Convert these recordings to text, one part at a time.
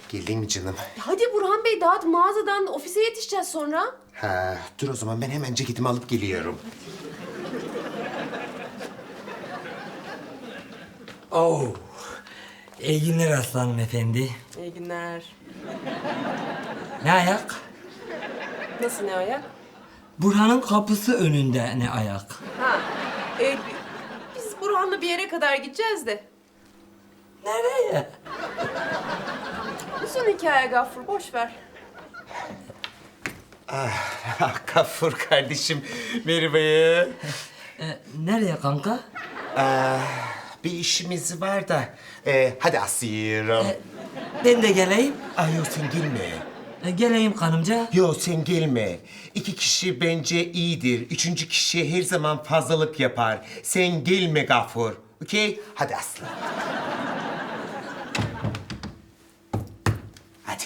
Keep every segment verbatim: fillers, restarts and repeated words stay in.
Geldin mi canım? Hadi Burhan Bey dağıt mağazadan ofise yetişeceğiz sonra. Ha, dur o zaman ben hemen ceketimi alıp geliyorum. Oo. İyi günler aslanım efendi. İyi günler. Ne ayak? Nasıl ne ayak? Burhan'ın kapısı önünde ne ayak? Ha. E, biz Burhan'la bir yere kadar gideceğiz de. Nereye? Uzun hikaye Gaffur boş ver. Ah, Gafur kardeşim, merhaba. Ee, nereye kanka? Bir işimiz var da. Ee, hadi asıyorum. Ee, ben de geleyim. Ay yok sen gelme. Ee, geleyim kanımca. Yok sen gelme. İki kişi bence iyidir. Üçüncü kişi her zaman fazlalık yapar. Sen gelme Gafur. Okey? Hadi aslan. Hadi.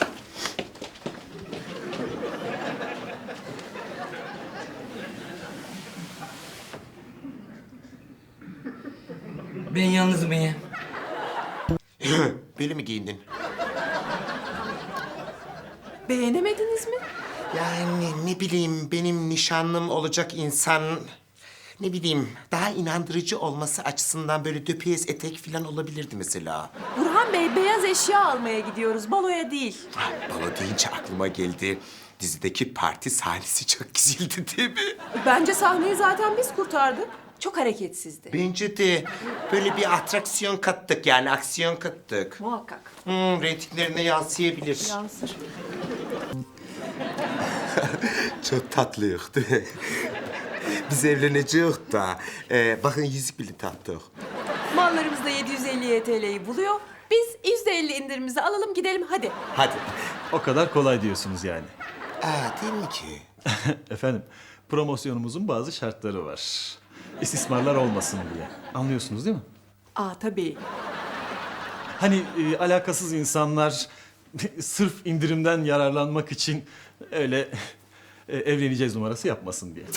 Ben yalnız mıyım? Böyle mi giyindin? Beğenemediniz mi? Yani ne bileyim benim nişanlım olacak insan... Ne bileyim daha inandırıcı olması açısından böyle döpiyez etek falan olabilirdi mesela. Burhan Bey beyaz eşya almaya gidiyoruz baloya değil. Ah, balo deyince aklıma geldi. Dizideki parti sahnesi çok güzeldi değil mi? Bence sahneyi zaten biz kurtardık. Çok hareketsizdi. Bence de böyle bir atraksiyon kattık yani aksiyon kattık. Muhakkak. Hmm, reytinglerine yansıyabilir. Yansır. Çok tatlıyız değil mi? Biz evleneceğiz da. Ee, bakın yüzük bile taktık. Mallarımız da yedi yüz elli T L'yi buluyor. Biz yüzde elli indirimimizi alalım gidelim hadi. Hadi. O kadar kolay diyorsunuz yani. Aa, değil mi ki? Efendim, promosyonumuzun bazı şartları var. İstismarlar olmasın diye. Anlıyorsunuz değil mi? Aa tabii. Hani e, alakasız insanlar sırf indirimden yararlanmak için öyle e, evleneceğiz numarası yapmasın diye.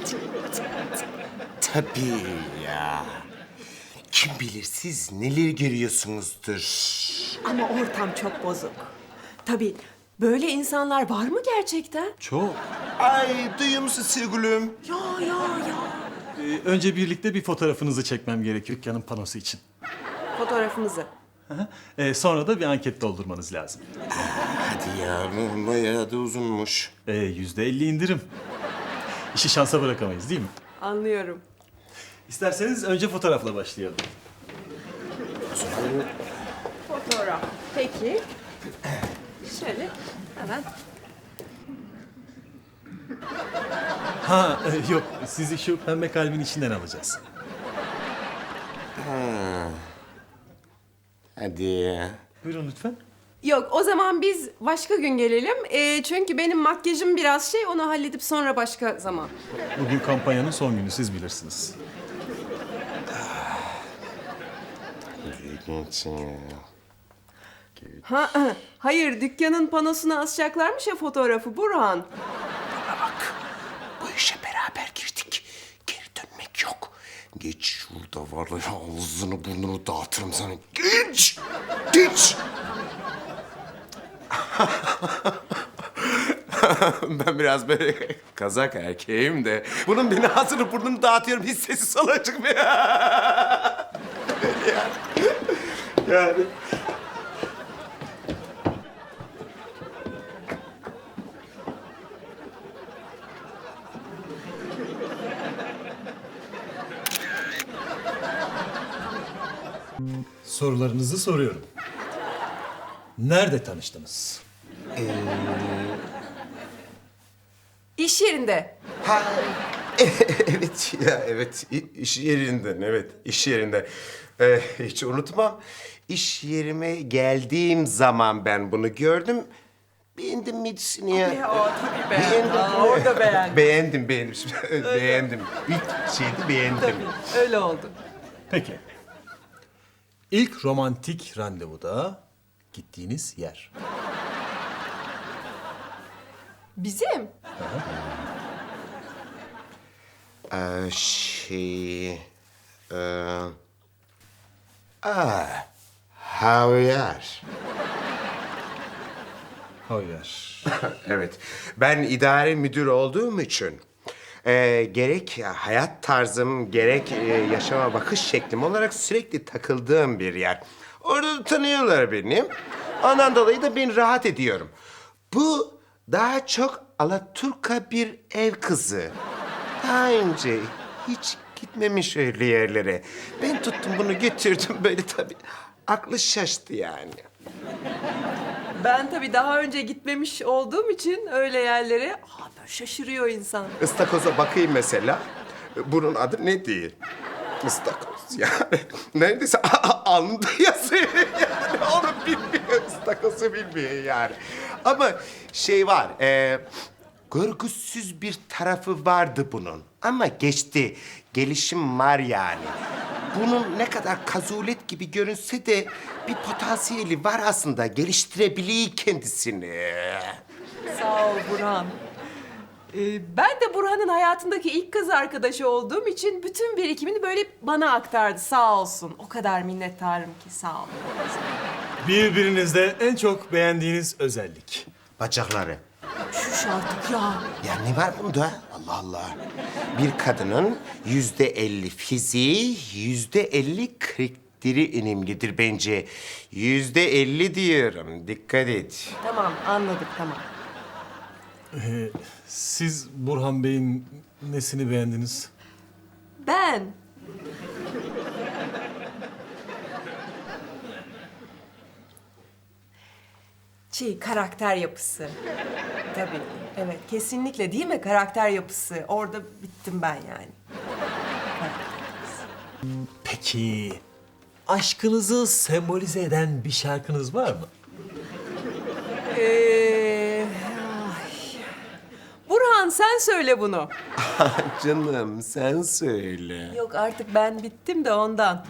Tabii ya. Kim bilir siz neler görüyorsunuzdur. Ama ortam çok bozuk. Tabii böyle insanlar var mı gerçekten? Çok. Ay duyuyor musun sevgilim? Ya ya ya. E, önce birlikte bir fotoğrafınızı çekmem gerekiyor dükkanın panosu için. Fotoğrafımızı. E, sonra da bir anket doldurmanız lazım. Hadi ya bu bayağı da uzunmuş. E, yüzde elli indirim. İşi şansa bırakamayız değil mi? Anlıyorum. İsterseniz önce fotoğrafla başlayalım. Fotoğraf. Peki. Şöyle hemen. Ha e, yok, sizi şu pembe kalbin içinden alacağız. Hadi. Buyurun lütfen. Yok o zaman biz başka gün gelelim. Ee, çünkü benim makyajım biraz şey onu halledip sonra başka zaman. Bugün kampanyanın son günü, siz bilirsiniz. Ha, hayır dükkanın panosuna asacaklarmış ya fotoğrafı Burhan. Bak bu işe beraber girdik. Geri dönmek yok. Geç şurada var ya ağzını burnunu dağıtırım sana. Geç! Geç! Ben biraz böyle kazak erkeğim de bunun beni ağzını burnunu dağıtıyorum hiç sesi solacık mı ya? yani. yani. Sorularınızı soruyorum. Nerede tanıştınız? İş yerinde. Ha, evet ya evet İ- iş yerinden evet iş yerinde. Ee, hiç unutmam. İş yerime geldiğim zaman ben bunu gördüm. Beğendim midisini ya. Ya, o tabii Beğendim. Aa, orada beğendim. Beğendim beğendim. beğendim. İlk şeydi beğendim. Öyle oldu. Peki. İlk romantik randevuda gittiğiniz yer. Bizim? Ee, şey... Ee, aa, Havyar. var. Evet, ben idare müdür olduğum için e, gerek hayat tarzım, gerek e, yaşama bakış şeklim olarak sürekli takıldığım bir yer. Orada da tanıyorlar beni. Ondan dolayı da ben rahat ediyorum. Bu daha çok alaturka bir ev kızı. Daha önce hiç gitmemiş öyle yerlere. Ben tuttum bunu götürdüm böyle tabii. Aklı şaştı yani. Ben tabii daha önce gitmemiş olduğum için öyle yerlere aa, böyle şaşırıyor insan. Istakoza bakayım mesela. Bunun adı ne değil? Istakoz yani. Neredeyse alnında yazıyor yani. Onu bilmiyor, ıstakozu bilmiyor yani. Ama şey var, e, görgüsüz bir tarafı vardı bunun. Ama geçti, gelişim var yani. Bunun ne kadar kazulet gibi görünse de bir potansiyeli var aslında. Geliştirebiliyor kendisini. Sağ ol Burhan. Ee, ben de Burhan'ın hayatındaki ilk kız arkadaşı olduğum için bütün birikimini böyle bana aktardı sağ olsun. O kadar minnettarım ki sağ ol. Birbirinizde en çok beğendiğiniz özellik. Bacakları. Şuş artık ya. Ya ne var bunda? Allah Allah. Bir kadının yüzde elli fiziği, yüzde elli karakteri önemlidir bence. Yüzde elli diyorum. Dikkat et. Tamam anladık tamam. Siz Burhan Bey'in nesini beğendiniz? Ben şey karakter yapısı. Tabii evet kesinlikle değil mi karakter yapısı. Orada bittim ben yani. Peki, aşkınızı sembolize eden bir şarkınız var mı? Ee, ay. Burhan sen söyle bunu. Canım sen söyle. Yok artık ben bittim de ondan.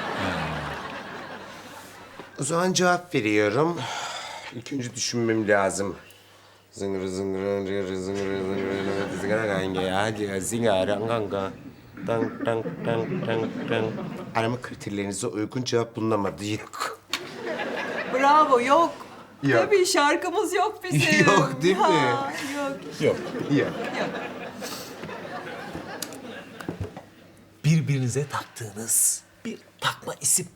O zaman cevap veriyorum. İlk önce düşünmem lazım. Zıngır zıngır zıngır zıngır zıngır zıngır kanka hadi zıngır kanka. Dang dang dang dang dang. Arama kriterlerinize uygun cevap bulunamadı. Yok. Bravo yok. Yok. Tabii şarkımız yok bizim. Yok, değil mi? Ha, yok. Yok. Yok. Birbirinize taktığınız bir takma isim.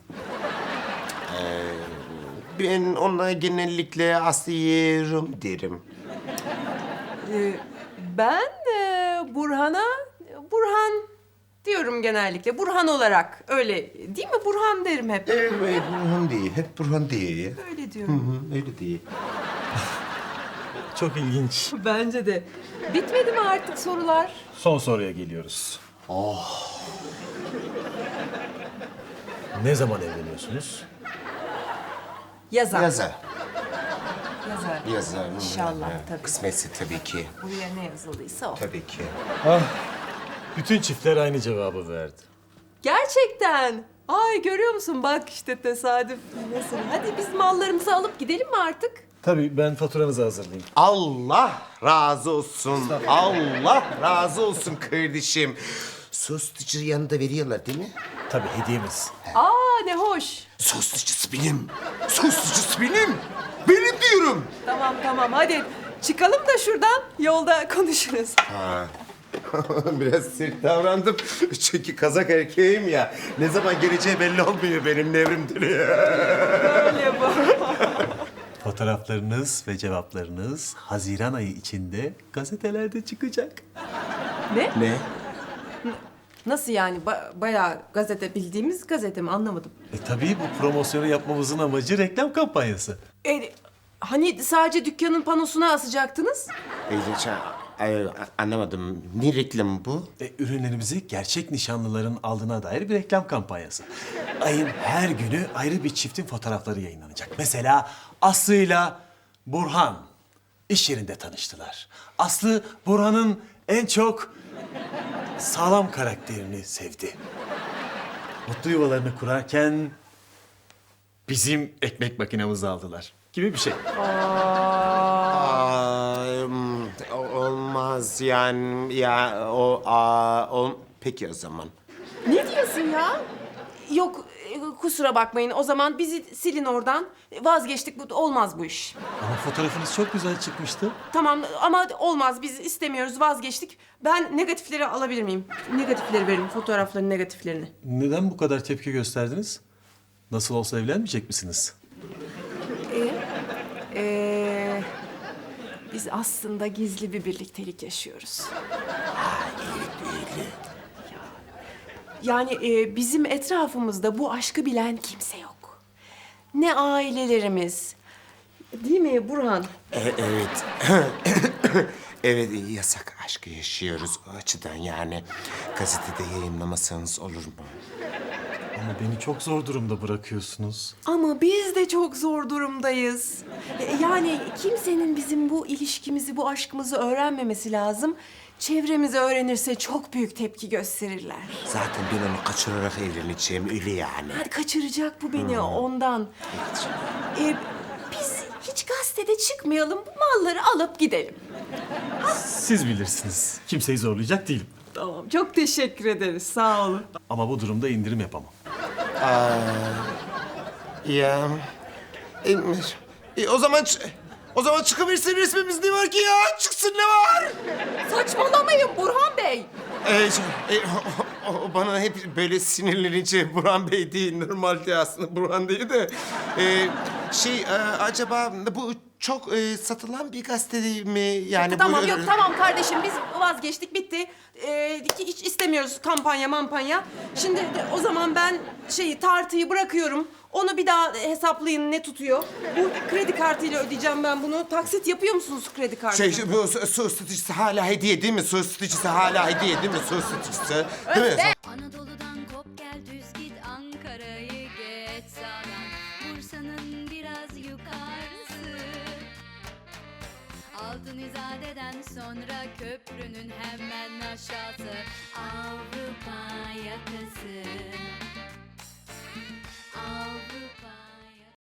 Ben ona genellikle Asiye Rum derim. Ee, ben e, Burhan'a Burhan diyorum genellikle. Burhan olarak öyle değil mi? Burhan derim hep. Evet, Burhan değil. Hep Burhan değil. Öyle Hı diyorum. hı, öyle değil. Çok ilginç. Bence de. Bitmedi mi artık sorular? Son soruya geliyoruz. Ne zaman evleniyorsunuz? Yazar. Yazar. Yazar. Yazar. İnşallah Ha, tabii. Kısmetse tabii ki. Buraya ne yazıldıysa o. Tabii ki. Bütün çiftler aynı cevabı verdi. Gerçekten. Ay görüyor musun? Bak işte tesadüf nasıl. Hadi biz mallarımızı alıp gidelim mi artık? Tabii ben faturanızı hazırlayayım. Allah razı olsun. Allah razı olsun kardeşim. Sostucu yanında veriyorlar değil mi? Tabii hediyemiz. Aa ne hoş. Sostucusu benim. Sostucusu benim. Benim diyorum. Tamam tamam hadi çıkalım da şuradan yolda konuşuruz. Biraz sert davrandım. Çünkü kazak erkeğim ya. Ne zaman geleceği belli olmuyor benim nevrim dönüyor. Öyle bu. Fotoğraflarınız ve cevaplarınız Haziran ayı içinde gazetelerde çıkacak. Ne? Ne? Nasıl yani? Ba- bayağı gazete bildiğimiz gazete mi? Anlamadım. E tabii bu promosyonu yapmamızın amacı reklam kampanyası. E, hani sadece dükkanın panosuna asacaktınız? Ee, ay, anlamadım. Ne reklamı bu? E, ürünlerimizi gerçek nişanlıların aldığına dair bir reklam kampanyası. Ayın her günü ayrı bir çiftin fotoğrafları yayınlanacak. Mesela Aslı'yla Burhan iş yerinde tanıştılar. Aslı Burhan'ın en çok sağlam karakterini sevdi. Mutlu yuvalarını kurarken bizim ekmek makinamızı aldılar gibi bir şey. Aa, hmm, olmaz yani ya o aa, ol, peki o zaman. Ne diyorsun ya? Yok e, kusura bakmayın. O zaman bizi silin oradan. Vazgeçtik. Bu olmaz bu iş. Ama fotoğrafınız çok güzel çıkmıştı. Tamam ama olmaz. Biz istemiyoruz. Vazgeçtik. Ben negatifleri alabilir miyim? Negatifleri verin. Fotoğrafların negatiflerini. Neden bu kadar tepki gösterdiniz? Nasıl olsa evlenmeyecek misiniz? Ee, biz aslında gizli bir birliktelik yaşıyoruz. Yani e, bizim etrafımızda bu aşkı bilen kimse yok. Ne ailelerimiz. Değil mi Burhan? E, evet. Evet, yasak aşkı yaşıyoruz o açıdan yani. Gazetede yayınlamasanız olur mu? Ama beni çok zor durumda bırakıyorsunuz. Ama biz de çok zor durumdayız. E, Yani kimsenin bizim bu ilişkimizi, bu aşkımızı öğrenmemesi lazım. Çevremizi öğrenirse çok büyük tepki gösterirler. Zaten ben onu kaçırarak evleneceğim, öyle yani. Hadi kaçıracak bu beni ondan. E, biz hiç gazetede çıkmayalım, bu malları alıp gidelim. Siz bilirsiniz. Kimseyi zorlayacak değilim. Tamam, çok teşekkür ederiz. Sağ olun. Ama bu durumda indirim yapamam. Ya. E, e, o zaman ç- o zaman çıkıversin resmimiz, ne var ki ya? Çıksın, ne var? Saçmalamayın Burhan Bey. E, şey, e, o, o bana hep böyle sinirlenince Burhan Bey değil, normalde aslında Burhan değil de. E, şey, e, acaba bu çok e, satılan bir gazete değil mi? Yani Tamam bu, yok tamam kardeşim biz vazgeçtik bitti. Ee, hiç istemiyoruz kampanya mampanya. Şimdi de- o zaman ben şeyi tartıyı bırakıyorum. Onu bir daha hesaplayın ne tutuyor. Bu kredi kartıyla ödeyeceğim ben bunu. Taksit yapıyor musunuz kredi kartıyla? Şey, bu su, su ısıtıcısı hala hediye değil mi? Su ısıtıcısı hala hediye değil mi? Su ısıtıcısı. Değil mi? Anadolu'dan kop gel düz git Ankara'yı geç sağdan Bursa'nın biraz yukarısı Altın İzade'den sonra köprünün hemen aşağısı Avrupa